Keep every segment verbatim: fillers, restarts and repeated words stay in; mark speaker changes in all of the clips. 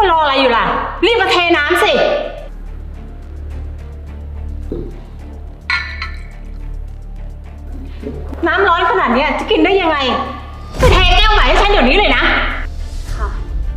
Speaker 1: รออะไรอยู่ล่ะรีบมาเทน้ำสิน้ำร้อนขนาดนี้จะกินได้ยังไงไปเทแก้วใหม่ให้ฉันเดี๋ยวนี้เลยนะค่ะ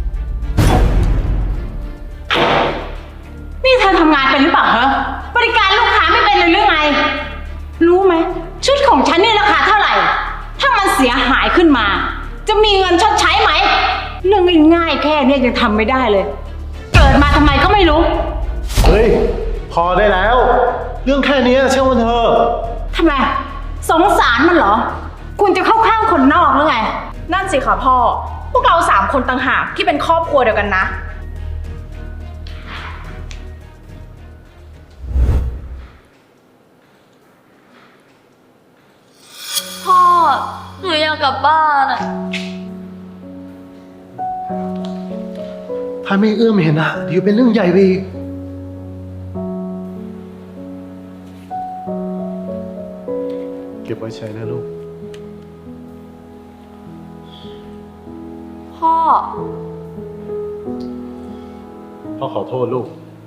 Speaker 1: นี่เธอทำงานเป็นหรือเปล่าเหรอบริการลูกค้าไม่เป็นเลยหรือไงรู้ไหมชุดของฉันนี่ราคาเท่าไหร่ถ้ามันเสียหายขึ้นมาจะมีเงินชดใช้ไหมเรื่องง่ายๆแค่นี้ยังทำไม่ได้เลยเกิดมาทำไมก็ไม่รู้
Speaker 2: เฮ้ยพอได้แล้วเรื่องแค่นี้เชื่อมันเถอะ
Speaker 1: ทำไมสงสารมันเหรอคุณจะเข้าข้างคนนอกหรือไง
Speaker 3: นั่นสิค่ะพ่อพวกเราสามคนต่างหากที่เป็นครอบครัวเดียวกันนะ
Speaker 4: พ่อหนูอยากกลับบ้านอะ
Speaker 2: ถ้าไม่เอื้อมเห็นอะเดี๋ยวเป็นเรื่องใหญ่ไปอีกเก็บไว้ใช้นะลูก
Speaker 4: พ่อ
Speaker 2: พ่อขอโทษลูก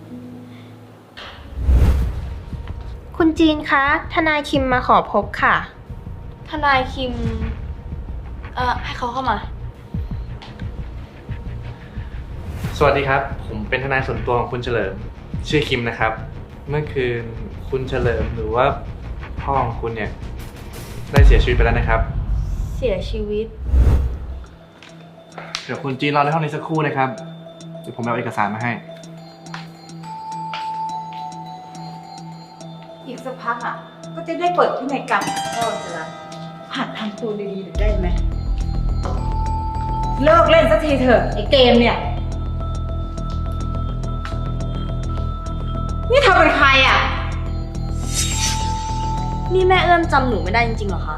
Speaker 5: คุณจีนคะทนายคิมมาขอพบค่ะ
Speaker 4: ทนายคิมเอ่อให้เขาเข้ามา
Speaker 6: สวัสดีครับผมเป็นทนายส่วนตัวของคุณเฉลิมชื่อคิมนะครับเมื่อคืนคุณเฉลิมหรือว่าพ่อของคุณเนี่ยได้เสียชีวิตไปแล้วนะครับ
Speaker 4: เสียชีวิต
Speaker 6: เดี๋ยวคุณจีนรอในห้องนี้สักครู่นะครับเดี๋ยวผมเอาเอกสารมาให้
Speaker 1: อีกสักพักอ่ะก็จะได้เปิดที่ในกรรมพ่อจะละหัดทำตัวดีๆได้ไหมเลิกเล่นสักทีเถอะไอ้เกมเนี่ยนี่เธอเป็นใครอ่ะ
Speaker 4: นี่แม่เอื้อมจำหนูไม่ได้จริงๆเหรอคะ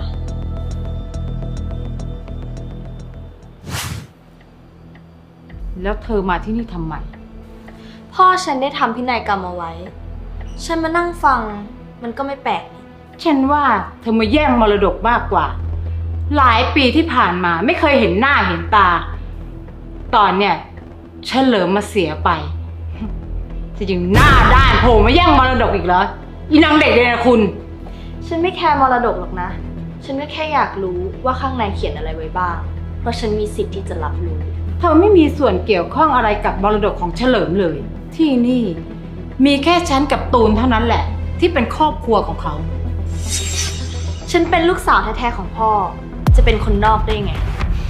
Speaker 1: แล้วเธอมาที่นี่ทำไม
Speaker 4: พ่อฉันได้ทำพินัยกรรมเอาไว้ฉันมานั่งฟังมันก็ไม่แปลก
Speaker 1: ฉันว่าเธอมาแย่งมรดกมากกว่าหลายปีที่ผ่านมาไม่เคยเห็นหน้าเห็นตาตอนเนี้ยเฉลิมมาเสียไปจะยังหน้าด้านโผล่มาแย่งมรดกอีกเหรออีนางเด็กเลยนะคุณ
Speaker 4: ฉันไม่แคร์มรดกหรอกนะฉันก็แค่อยากรู้ว่าข้างในเขียนอะไรไว้บ้างเพราะฉันมีสิทธิ์ที่จะรับรู้
Speaker 1: เธอไม่มีส่วนเกี่ยวข้องอะไรกับมรดกของเฉลิมเลยที่นี่มีแค่ฉันกับตูนเท่านั้นแหละที่เป็นครอบครัวของเขา
Speaker 4: ฉันเป็นลูกสาวแท้ๆของพ่อจะเป็นคนนอกได้ไง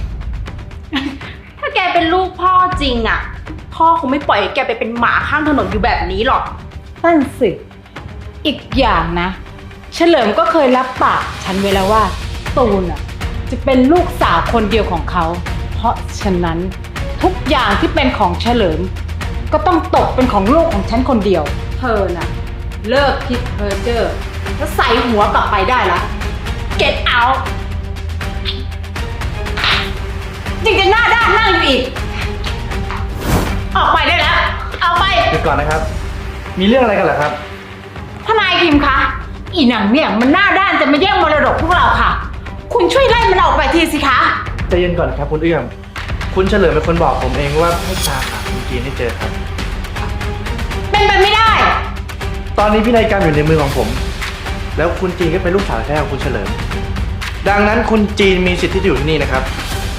Speaker 3: ถ้าแกเป็นลูกพ่อจริงอ่ะพ่อคงไม่ปล่อยให้แกไปเป็นหมาข้างถนนอยู่แบบนี้หรอก
Speaker 1: นั่นสิอีกอย่างนะเฉลิมก็เคยรับปากฉันไว้แล้วว่าตูนอ่ะจะเป็นลูกสาวคนเดียวของเขาเพราะฉะนั้นทุกอย่างที่เป็นของเฉลิมก็ต้องตกเป็นของลูกของฉันคนเดียวเธอน่ะเลิกคิดเพ้อเจ้อแล้วใส่หัวกลับไปได้ละ Get out ยังจะหน้าด้านนั่งอยู่อีกออกไปได้แล้วเอาไป
Speaker 6: เดี๋ยวก่อนนะครับมีเรื่องอะไรกันเหรอครับ
Speaker 1: ทนายคิมคะอีหนังเนี่ยมันหน้าด้านจะมาแย่งมรดกพวกเราค่ะคุณช่วยไล่มันออกไปทีสิคะ
Speaker 6: ใจเย็นก่อนครับคุณเอื้อมคุณเฉลิมเป็นคนบอกผมเองว่าให้ตามหาคุณจีนให้เจอครับ
Speaker 1: เป็นไปไม่ได้
Speaker 6: ตอนนี้พินัยกรรมอยู่ในมือของผมแล้วคุณจีนก็เป็นลูกสาวแท้ของคุณเฉลิมดังนั้นคุณจีนมีสิทธิ์ที่จะอยู่ที่นี่นะครับ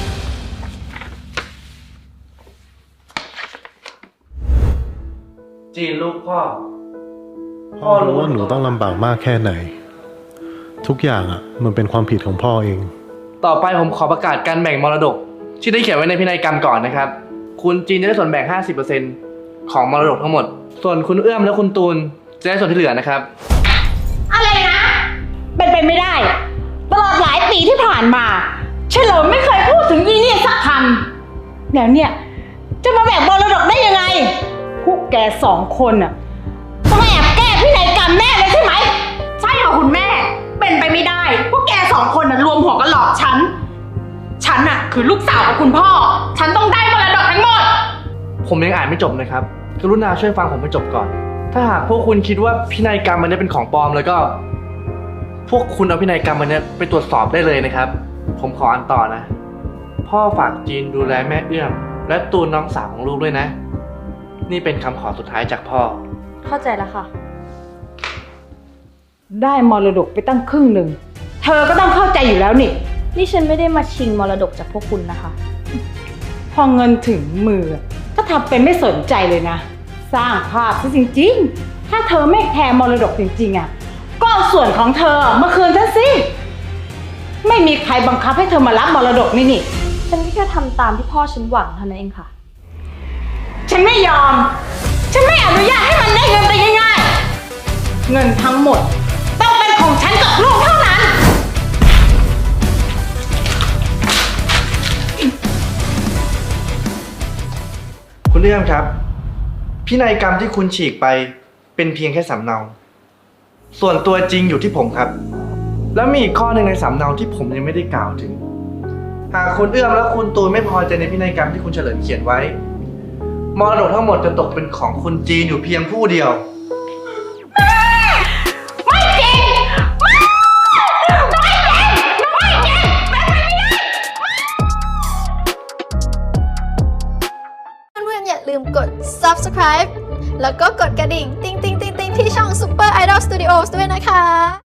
Speaker 6: จีนลูกพ่อ
Speaker 2: พ่อรู้ว่าหนูต้องลำบากมากแค่ไหนทุกอย่างอ่ะมันเป็นความผิดของพ่อเอง
Speaker 6: ต่อไปผมขอประกาศการแบ่งมรดกที่ได้เขียนไว้ในพินัยกรรมก่อนนะครับคุณจีนจะได้ส่วนแบ่ง ห้าสิบเปอร์เซ็นต์ ของมรดกทั้งหมดส่วนคุณเอื้อมและคุณตูนจะได้ส่วนที่เหลือนะครับ
Speaker 1: อะไรนะเป็นไปไม่ได้ตลอดหลายปีที่ผ่านมาเฉลิมไม่เคยพูดถึงอีนี่สักคำแล้วเนี่ยจะมาแบ่งมรดกได้ยังไงพวกแกสองคนน่ะต้องแอบแก้พินัยกรรมแน่เลยใช่ไหม
Speaker 3: ใช่ค่ะคุณแม่เป็นไปไม่ได้พวกแกสองคนน่ะรวมหัวกันหลอกฉันฉันน่ะคือลูกสาวของคุณพ่อฉันต้องได้มรดกทั้งหมด
Speaker 6: ผมยังอ่านไม่จบนะครับกรุณาช่วยฟังผมให้จบก่อนถ้าหากพวกคุณคิดว่าพินัยกรรมมันนี้เป็นของปลอมแล้วก็พวกคุณเอาพินัยกรรมมันนี้ไปตรวจสอบได้เลยนะครับผมขออ่านต่อนะพ่อฝากจีนดูแลแม่เอื้อมและตูนน้องสาวของลูกด้วยนะนี่เป็นคำขอสุดท้ายจากพ่อ
Speaker 4: เข้าใจแล้วค่ะ
Speaker 1: ได้มรดกไปตั้งครึ่งหนึ่ง เธอก็ต้องเข้าใจอยู่แล้วนี่
Speaker 4: นี่ฉันไม่ได้มาชิงมรดกจากพวกคุณนะคะ
Speaker 1: พอเงินถึงมือ ก็ทำเป็นไม่สนใจเลยนะ สร้างภาพซะจริงๆ ถ้าเธอไม่แคร์มรดกจริงๆอ่ะ ก็เอาส่วนของเธอมาคืนฉันสิ ไม่มีใครบังคับให้เธอมารับมรดกนี่นี่
Speaker 4: ฉันก็แค่ทำตามที่พ่อฉันหวังเท่านั้นเองค่ะ
Speaker 1: ฉันไม่ยอม ฉันไม่อนุญาตให้มันได้เงินไปง่ายๆ เงินทั้งหมดต้องเป็นของฉันกับลูกเท่านั้น
Speaker 6: คุณเอื้อมครับ พินัยกรรมที่คุณฉีกไปเป็นเพียงแค่สำเนา ส่วนตัวจริงอยู่ที่ผมครับ แล้วมีอีกข้อหนึ่งในสำเนาที่ผมยังไม่ได้กล่าวถึง หากคุณเอื้อมและคุณตูนไม่พอใจในพินัยกรรมที่คุณเฉลิมเขียนไว้ มรดกทั้งหมดจะตกเป็นของคุณจีนอยู่เพียงผู้เดียว
Speaker 1: ไม่จริง ไม่ไม่จริงไม่จริงเป็นไปไม่ได้
Speaker 7: เพื่อนๆอย่าลืมกด ซับสไครบ์ แล้วก็กดกระดิ่ง ติ๊งติ๊งติ๊งติ๊งที่ช่อง Super Idol Studios ด้วยนะคะ